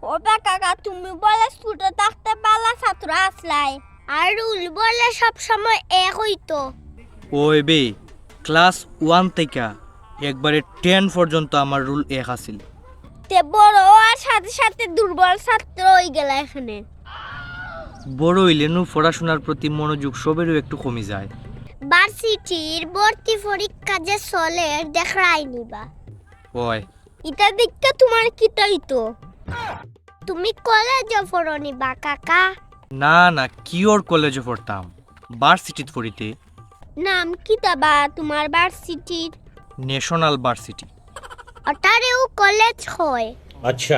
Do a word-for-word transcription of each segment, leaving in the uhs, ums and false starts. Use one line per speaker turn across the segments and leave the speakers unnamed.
ওবা কাকা তুমি বলে ছোট থাকতে পালা ছাত্র আসলাই আর রুল বলে সব সময় এক হইতো।
ওই বে ক্লাস ওয়ান থেকে একবারে টেন পর্যন্ত আমার রুল এক আছিল।
তে বড় হওয়ার সাথে সাথে দুর্বল ছাত্র হয়ে গেল এখানে।
বড় হইলে নু পড়াশোনার প্রতি মনোযোগ সবেরও একটু কমে যায়।
ভার্সিটির ভর্তি পরীক্ষা যে চলে দেখাই নিবা।
ওই
এটা দেখতে তোমার কি তাইতো? তুমি কলেজে পড়নি বা কাকা?
না না কিওর কলেজে পড়তাম, ভার্সিটিতে পড়িতে।
নাম কি তাবা তোমার ভার্সিটির?
National varsity.
ওটারেও কলেজ হয়।
अच्छा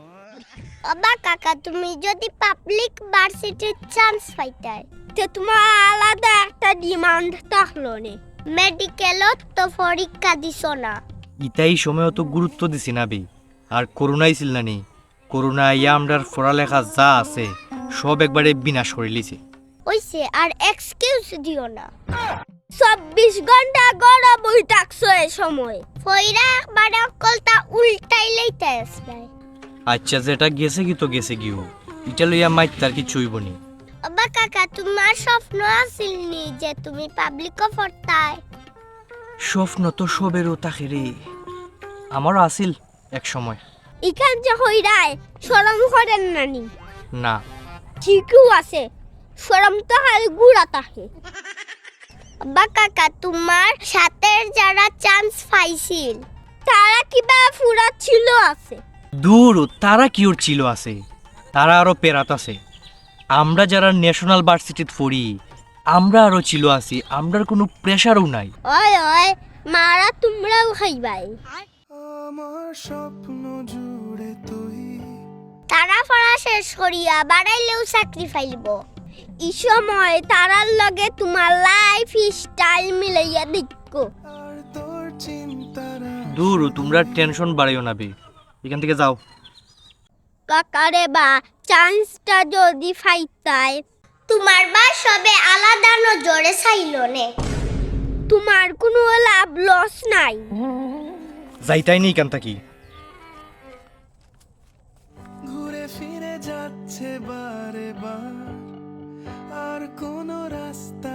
ওবা কাকা তুমি যদি পাবলিক ভার্সিটির চান্স পাইতাই তে তোমার আলাদা একটা ডিমান্ড থাকলো নে। মেডিকেলত তো পরীক্ষা দিছো না।
ইতাই সময় তো গুরুত্ব দিছি না বে। আর করোনা আইছিল না নি, করোনা ইয়া আমরার পড়ালেখা যা আছে সব একবারে বিনাশ করে লিছে।
ওইসে আর এক্সকিউজ দিও না। চব্বিশ ঘন্টা গড়া বই থাকছো এ সময় ফইরা একবার কলটা উল্টাই লইতে আসলাই।
আচ্ছা যেটা গেছে কি তো গেছে গিও, এটা লইয়া মাইত তার কি চুইবনি।
ওবা কাকা তোমার স্বপ্ন আছিল নি যে তুমি পাবলিকও পড়তাই?
স্বপ্ন তো সবেরও থাকে রে, আমারও আছিল এক সময়।
ইখান যে হইরায় শরম করেন নানি?
না
ঠিকও আছে, শরম তো হাল গুড়া থাকে। ওবা কাকা তোমার সাথে যারা চান্স পাইছিল তারা কিবা ফুরা ছিল আছে?
দূর তারা কিওর ছিল আছে, তারা আরো পেরাত আছে। আমরা যারা ন্যাশনাল ভার্সিটিতে পড়ি আমরা আরো ছিল আছি, আমরার কোনো প্রেশারও নাই।
ওই ওই মারা তোমরাও খাইবাই।
আমার স্বপ্ন জুড়ে তুই।
তারা পড়া শেষ করিয়া বাড়াইলেও চাকরি পাইব। এই সময় তারার লগে তোমার লাইফ স্টাইল মিলাইয়া দেখো।
আর তোর চিন্তারা
দূর তোমরা টেনশন বাড়াইও না বে, এখান থেকে যাও।
কাকারে বা চান্সটা যদি ফাইতাই তোমার বা সবে আলাদা নজরে চাইল নে। তোমার কোনো লাভ লস নাই।
যাইতাই নেই এখান থাকি।
ঘুরে ফিরে যাচ্ছে বারে বার, আর কোনো রাস্তা